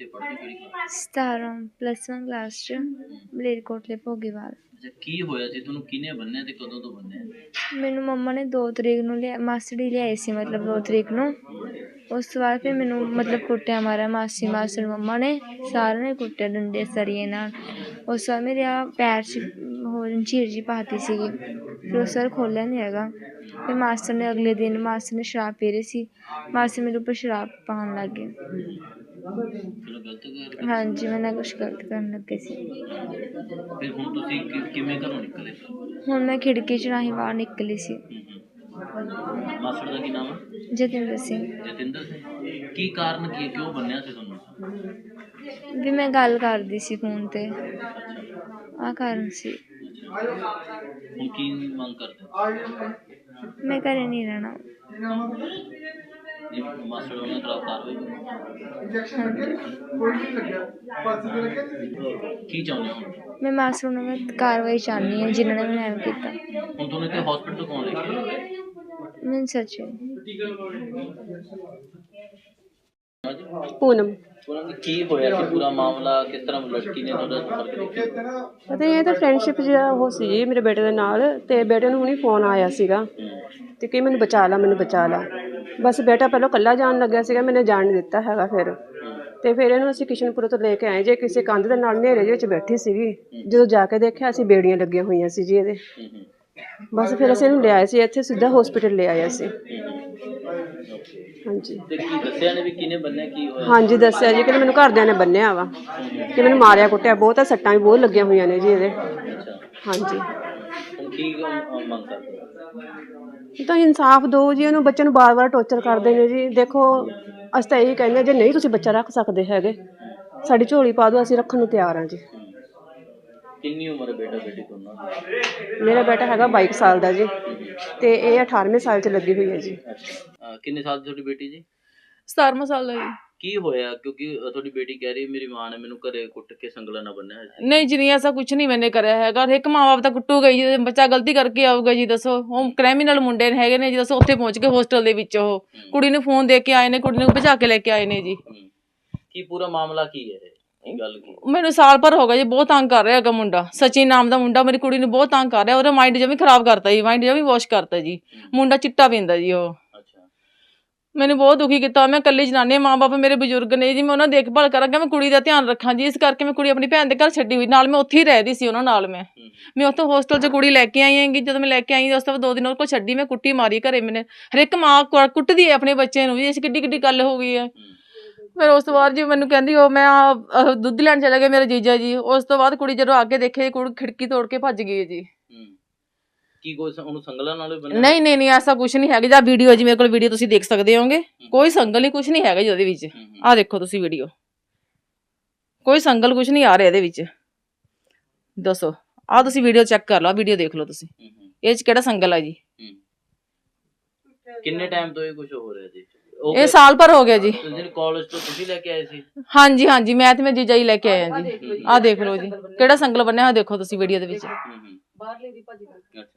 ਕਿੱਥੇ ਪੜ੍ਹਦੇ ਕਿਹੜੀ ਕਲਾਸ 17 +1 ਕਲਾਸ ਚ ਮਲੇਰਕੋਟਲੇ ਭੋਗੀਵਾਲ। ਅੱਛਾ ਕੀ ਹੋਇਆ ਸੀ ਤੁਹਾਨੂੰ ਕਿਹਨੇ ਬੰਨਿਆ ਤੇ ਕਦੋਂ ਤੋਂ ਬੰਨਿਆ? ਮੈਨੂੰ ਮੰਮਾ ਨੇ 2 ਤਰੀਕ ਨੂੰ ਲਿਆ, ਮਾਸੜੀ ਲਿਆਏ ਸੀ ਮਤਲਬ 2 ਤਰੀਕ ਨੂੰ। ਉਸ ਤੋਂ ਬਾਅਦ ਫਿਰ ਮੈਨੂੰ ਮਤਲਬ ਕੁੱਟਿਆ ਮਾਰਿਆ ਮਾਸੀ ਮਾਸੜ ਮੰਮਾ ਨੇ, ਸਾਰਿਆਂ ਨੇ ਕੁੱਟਿਆ ਡੰਡੇ ਸਰੀਏ ਨਾਲ। ਉਸ ਤੋਂ ਬਾਅਦ ਮੇਰੇ ਪੈਰ 'ਚ ਹੋਰ ਝੀਰ ਜੀ ਪਾਤੀ ਸੀਗੀ, ਫਿਰ ਉਸ ਵਾਰ ਖੋਲ੍ਹਿਆ ਨਹੀਂ ਹੈਗਾ। ਫਿਰ ਮਾਸਟਰ ਨੇ ਅਗਲੇ ਦਿਨ ਮਾਸਟਰ ਨੇ ਸ਼ਰਾਬ ਪੀ ਰਹੀ ਸੀ, ਮਾਸਟਰ ਮੇਰੇ ਉੱਪਰ ਸ਼ਰਾਬ ਪਾਉਣ ਲੱਗ ਗਏ। ਚਲੋ ਗਲਤ ਗੱਲ। ਹਾਂਜੀ ਮੈਂ ਨਾ ਕੁਛ ਗਲਤ ਕਰਨ ਲੱਗੇ ਸੀ। ਫਿਰ ਹੁਣ ਤੁਸੀਂ ਕਿਵੇਂ ਘਰੋਂ ਨਿਕਲੇ? ਹੁਣ ਮੈਂ ਖਿੜਕੀ 'ਚ ਰਾਹੀਂ ਬਾਹਰ ਨਿਕਲੀ ਸੀ। ਮਾਸੜ ਦਾ ਕੀ ਨਾਮ ਹੈ? ਜਤਿੰਦਰ ਸਿੰਘ। ਜਤਿੰਦਰ ਸਿੰਘ। ਕੀ ਕਾਰਨ ਕੀ ਕਿਉਂ ਬੰਨਿਆ ਸੀ ਤੁਹਾਨੂੰ? ਵੀ ਮੈਂ ਗੱਲ ਕਰਦੀ ਸੀ ਫੋਨ ਤੇ, ਆਹ ਕਾਰਨ ਸੀ। ਹੁਣ ਕੀ ਮੰਗ ਕਰਦੇ? ਮੈਂ ਘਰੇ ਨਹੀਂ ਰਹਿਣਾ। ਮਾਸੜ ਉਹਨਾਂ ਖਿਲਾਫ ਕਾਰਵਾਈ ਕੀ ਚਾਹੁੰਦੇ ਹੋ? ਮੈਂ ਮਾਸੜ ਨੂੰ ਮੈਂ ਕਾਰਵਾਈ ਚਾਹੁੰਦੀ ਹਾਂ ਜਿਨ੍ਹਾਂ ਨੇ ਮੈਨੂੰ ਐਵੇਂ ਕੀਤਾ। ਹੁਣ ਤੁਹਾਨੂੰ ਇੱਥੇ ਹਸਪੀਟਲ ਕੌਣ ਲੈ ਕੇ ਆਇਆ? ਮੈਨੂੰ ਸੱਚ पूनम। ਕੀ ਹੋਇਆ ਸੀ ਪੂਰਾ ਮਾਮਲਾ? ਕਿਸ ਤਰ੍ਹਾਂ ਲੜਕੀ ਨੇ ਤੁਹਾਡਾ ਸੰਪਰਕ ਕੀਤਾ? ਪਤਾ ਇਹ ਤਾਂ ਫਰੈਂਡਸ਼ਿਪ ਜਿਹੜਾ ਉਹ ਸੀ ਜੀ ਮੇਰੇ ਬੇਟੇ ਦੇ ਨਾਲ, ਤੇ ਬੇਟੇ ਨੂੰ ਹੁਣੀ ਫੋਨ ਆਇਆ ਸੀਗਾ ਤੇ ਕਿ ਮੈਨੂੰ ਬਚਾ ਲਾ ਮੈਨੂੰ ਬਚਾ ਲਾ। ਬਸ ਬੇਟਾ ਪਹਿਲਾਂ ਇਕੱਲਾ ਜਾਣ ਲੱਗਿਆ ਸੀਗਾ, ਮੈਨੇ ਜਾਣ ਨਹੀਂ ਦਿੱਤਾ ਹੈਗਾ। ਫਿਰ ਇਹਨੂੰ ਅਸੀਂ ਕਿਸ਼ਨਪੁਰ ਤੋਂ ਲੈ ਕੇ ਆਏ ਜੇ, ਕਿਸੇ ਕੰਧ ਦੇ ਨਾਲ ਹਨੇਰੇ ਦੇ ਵਿੱਚ ਬੈਠੀ ਸੀਗੀ। ਜਦੋਂ ਜਾ ਕੇ ਦੇਖਿਆ ਅਸੀਂ ਬੇੜੀਆਂ ਲੱਗੀਆਂ ਹੋਈਆਂ ਸੀ ਜੀ ਇਹਦੇ। ਬਸ ਫਿਰ ਅਸੀਂ ਇਹਨੂੰ ਲਿਆਏ ਸੀ ਇੱਥੇ, ਸਿੱਧਾ ਹਸਪੀਟਲ ਲੈ ਆਏ ਅਸੀਂ। ਹਾਂਜੀ ਤੇ ਕੀ ਦੱਸਿਆ ਨੇ ਵੀ ਕਿਹਨੇ ਬੰਨਿਆ ਕੀ ਹੋਇਆ? ਹਾਂਜੀ ਦੱਸਿਆ ਜੀ ਕਿ ਮੈਨੂੰ ਘਰਦਿਆਂ ਨੇ ਬੰਨਿਆ ਵਾ, ਕਿ ਮੈਨੂੰ ਮਾਰਿਆ ਕੁੱਟਿਆ ਬਹੁਤ ਆ, ਸੱਟਾਂ ਵੀ ਬਹੁਤ ਲੱਗੀਆਂ ਹੋਈਆਂ ਨੇ ਜੀ ਇਹਦੇ। ਹਾਂਜੀ ਹੁਣ ਕੀ ਮੰਗ ਕਰਦੇ? ਤਾਂ ਇਨਸਾਫ ਦਿਓ ਜੀ, ਉਹਨੂੰ ਬੱਚੇ ਨੂੰ ਵਾਰ-ਵਾਰ ਟੌਰਚਰ ਕਰਦੇ ਨੇ ਜੀ। ਦੇਖੋ ਅਸੀਂ ਤਾਂ ਇਹੀ ਕਹਿੰਦੇ ਜੇ ਨਹੀਂ ਤੁਸੀਂ ਬੱਚਾ ਰੱਖ ਸਕਦੇ ਹੈਗੇ, ਸਾਡੀ ਝੋਲੀ ਪਾ ਦਿਓ, ਅਸੀਂ ਰੱਖਣ ਨੂੰ ਤਿਆਰ ਹਾਂ ਜੀ। ਕਿੰਨੀ ਉਮਰ ਹੈ ਬੇਟਾ ਬੇਟੀ ਦੋਨਾਂ ਦੀ? ਮੇਰਾ ਬੇਟਾ ਹੈਗਾ 22 ਸਾਲ ਦਾ ਜੀ, ਤੇ ਇਹ 18ਵੇਂ ਸਾਲ 'ਚ ਲੱਗੀ ਹੋਈ ਹੈ ਜੀ। ਕਿੰਨੇ ਸਾਲ ਦੀ ਤੁਹਾਡੀ ਬੇਟੀ ਜੀ? 17ਵਾਂ ਸਾਲ ਦਾ ਜੀ। ਕੀ ਹੋਇਆ? ਕਿਉਂਕਿ ਤੁਹਾਡੀ ਬੇਟੀ ਕਹਿ ਰਹੀ ਮੇਰੀ ਮਾਂ ਨੇ ਮੈਨੂੰ ਘਰੇ ਕੁੱਟ ਕੇ ਸੰਗਲਾਂ ਨਾਲ ਬੰਨਿਆ ਹੋਇਆ ਸੀ। ਨਹੀਂ ਜੀ ਨਹੀਂ, ਐਸਾ ਕੁਛ ਨਹੀਂ ਮੈਨੇ ਕਰਿਆ ਹੈਗਾ। ਇੱਕ ਮਾਂ ਬਾਪ ਤਾਂ ਕੁੱਟੂਗਾ ਹੀ ਜੀ, ਬੱਚਾ ਗਲਤੀ ਕਰਕੇ ਆਊਗਾ ਜੀ। ਦੱਸੋ ਉਹ ਕ੍ਰਿਮੀਨਲ ਮੁੰਡੇ ਹੈਗੇ ਨੇ ਜੀ, ਦੱਸੋ ਉੱਥੇ ਪਹੁੰਚ ਕੇ ਹੋਸਟਲ ਦੇ ਵਿੱਚ ਉਹ ਕੁੜੀ ਨੂੰ ਫੋਨ ਦੇ ਕੇ ਆਏ ਨੇ, ਕੁੜੀ ਨੂੰ ਭਜਾ ਕੇ ਲੈ ਕੇ ਆਏ ਨੇ ਜੀ। ਕੀ ਪੂਰਾ ਮਾਮਲਾ ਕੀ ਹੈ? ਗੱਲ ਕੀ? ਮੈਨੂੰ ਸਾਲ ਭਰ ਹੋ ਗਿਆ ਜੀ, ਬਹੁਤ ਤੰਗ ਕਰ ਰਿਹਾ ਹੈਗਾ ਮੁੰਡਾ। ਸਚਿਨ ਨਾਮ ਦਾ ਮੁੰਡਾ ਮੇਰੀ ਕੁੜੀ ਨੂੰ ਬਹੁਤ ਤੰਗ ਕਰ ਰਿਹਾ। ਉਹਦਾ ਮਾਈਂਡ ਜਮੀ ਖਰਾਬ ਕਰਤਾ ਜੀ, ਮਾਈਂਡ ਜਮੀ ਵਾਸ਼ ਕਰਤਾ ਜੀ। ਮੁੰਡਾ ਚਿੱਟਾ ਪੀਂਦਾ ਜੀ ਉਹ। ਮੈਨੂੰ ਬਹੁਤ ਦੁਖੀ ਕੀਤਾ। ਮੈਂ ਇਕੱਲੀ ਜਨਾਨੀ, ਮਾਂ ਬਾਪ ਮੇਰੇ ਬਜ਼ੁਰਗ ਨੇ ਜੀ, ਮੈਂ ਉਹਨਾਂ ਦੀ ਦੇਖਭਾਲ ਕਰਾਂਗਾ, ਮੈਂ ਕੁੜੀ ਦਾ ਧਿਆਨ ਰੱਖਾਂ ਜੀ। ਇਸ ਕਰਕੇ ਮੈਂ ਕੁੜੀ ਆਪਣੀ ਭੈਣ ਦੇ ਘਰ ਛੱਡੀ ਹੋਈ, ਨਾਲ ਮੈਂ ਉੱਥੇ ਹੀ ਰਹਿਦੀ ਸੀ ਉਹਨਾਂ ਨਾਲ। ਮੈਂ ਉੱਥੋਂ ਹੋਸਟਲ 'ਚ ਕੁੜੀ ਲੈ ਕੇ ਆਈ ਹੈਗੀ। ਜਦੋਂ ਮੈਂ ਲੈ ਕੇ ਆਈ ਉਸ ਤੋਂ ਬਾਅਦ 2 ਦਿਨ ਉਹ ਕੋਲ ਛੱਡੀ, ਮੈਂ ਕੁੱਟੀ ਮਾਰੀ ਘਰੇ। ਮੈਨੇ ਹਰ ਇੱਕ ਮਾਂ ਕੁੱਟਦੀ ਹੈ ਆਪਣੇ ਬੱਚੇ ਨੂੰ ਜੀ, ਇਸ ਕਿੱਡੀ ਕਿੱਡੀ ਗੱਲ ਹੋ ਗਈ ਹੈ। ਫਿਰ ਉਸ ਤੋਂ ਬਾਅਦ ਜੀ ਮੈਨੂੰ ਕਹਿੰਦੀ ਉਹ ਮੈਂ ਦੁੱਧ ਲੈਣ ਚਲਾ ਗਿਆ ਮੇਰਾ ਜੀਜਾ ਜੀ। ਉਸ ਤੋਂ ਬਾਅਦ ਕੁੜੀ ਜਦੋਂ ਅੱਗੇ ਦੇਖੇ, ਕੁੜੀ ਖਿੜਕੀ ਤੋੜ ਕੇ ਭੱਜ ਗਈ ਹੈ ਜੀ। ਕੀ ਕੋਈ ਉਹਨੂੰ ਸੰਗਲਾਂ ਨਾਲ ਨਹੀਂ ਨਹੀਂ ਨਹੀਂ, ਐਸਾ ਕੁਛ ਨਹੀਂ ਹੈਗਾ। ਜਾਂ ਵੀਡੀਓ ਜੀ ਮੇਰੇ ਕੋਲ ਵੀਡੀਓ ਤੁਸੀਂ ਦੇਖ ਸਕਦੇ ਹੋਗੇ, ਕੋਈ ਸੰਗਲ ਨਹੀਂ, ਕੁਛ ਨਹੀਂ ਹੈਗਾ ਜੀ ਉਹਦੇ ਵਿੱਚ। ਆਹ ਦੇਖੋ ਤੁਸੀਂ ਵੀਡੀਓ, ਕੋਈ ਸੰਗਲ ਕੁਛ ਨਹੀਂ ਆ ਰਿਹਾ ਇਹਦੇ ਵਿੱਚ। ਦੱਸੋ, ਆਹ ਤੁਸੀਂ ਵੀਡੀਓ ਚੈੱਕ ਕਰ ਲਓ, ਵੀਡੀਓ ਦੇਖ ਲਓ ਤੁਸੀਂ, ਇਹ 'ਚ ਕਿਹੜਾ ਸੰਗਲ ਆ ਜੀ? ਕਿੰਨੇ ਟਾਈਮ ਤੋਂ ਇਹ ਕੁਝ ਹੋ ਰਿਹਾ ਜੀ? ਇਹ ਸਾਲ ਭਰ ਹੋ ਗਿਆ ਜੀ। ਕਾਲਜ ਤੋਂ ਤੁਸੀਂ ਲੈ ਕੇ ਆਏ ਸੀ? ਹਾਂਜੀ ਹਾਂਜੀ, ਮੈਂ ਤੇ ਮੈਂ ਜੀਜਾ ਹੀ ਲੈ ਕੇ ਆਏ ਹਾਂ ਜੀ। ਆਹ ਦੇਖ ਲਓ ਜੀ, ਕਿਹੜਾ ਸੰਗਲ ਬੰਨਿਆ ਹੋਇਆ ਦੇਖੋ ਤੁਸੀਂ ਵੀਡੀਓ ਦੇ ਵਿੱਚ।